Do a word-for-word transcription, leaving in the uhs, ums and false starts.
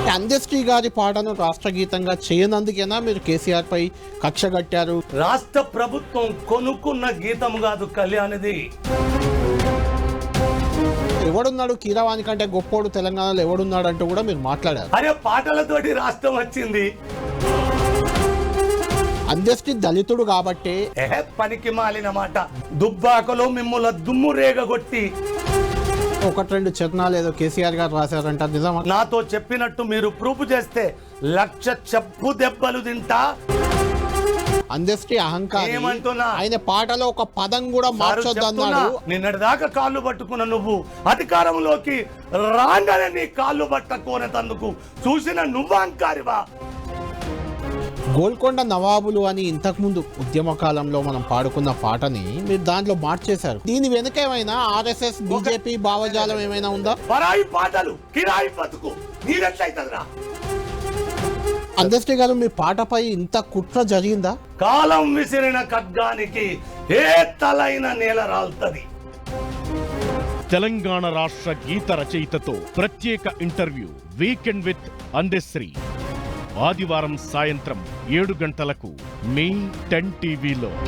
అందశ్రీ గారి పాటను రాష్ట్ర గీతంగా చేయనందుకేనా మీరు కేసీఆర్ పై కక్ష కట్టారు? రాష్ట్ర ప్రభుత్వం కొనుక్కున్న గీతం కాదు కళ్యాణిది. ఎవడున్నాడు కీరవాణి కంటే గొప్పోడు తెలంగాణలో ఎవడున్నాడు అంటూ కూడా మీరు మాట్లాడారు. అరే పాటలతోటి రాష్ట్రం వచ్చింది. అందశ్రీ దళితుడు కాబట్టి పనికి మాలిన మాట. దుబ్బాకలో మిమ్మల్ని దుమ్ము రేగగొట్టి ఒకటి రెండు చరణాలు ఏదో కేసీఆర్ గారు రాశారంట, నిజమా? నాతో చెప్పినట్టు మీరు ప్రూఫ్ చేస్తే లక్ష చెప్పు దెబ్బలు తింటా. అందశ్రీ అహంకారం. ఏమంటున్నా? ఆయన పాటలో ఒక పదం కూడా మార్చొద్దన్నాడు. నిన్నటి దాకా కాళ్ళు పట్టుకున్న నువ్వు అధికారంలోకి రాగానే నీ కాళ్ళు పట్టుకోనేందుకు చూసిన నువ్వు అహంకారివా? గోల్కొండ నవాబులు అని ఇంతకు ముందు ఉద్యమ కాలంలో మనం పాడుకున్న పాటని మీరు దాంట్లో మార్చేశారు. దీని వెనుక ఏమైనా ఆర్ఎస్ఎస్ బీజేపీ భావజాలం ఏమైనా ఉందా? పరాయి పాటలు కిరాయి బతుకు నీరెట్లయితదిరా? అందశ్రీ గారు, మీ పాటపై ఇంత కుట్ర జరిగిందా? కాలం విసిరిన ఖడ్గానికి ఏ తలైన నేల రాల్తది. తెలంగాణ రాష్ట్ర గీత రచయితతో ప్రత్యేక ఇంటర్వ్యూ వీకెండ్ విత్ అందశ్రీ ఆదివారం సాయంత్రం ఏడు గంటలకు మీ టెన్ టీవీలో.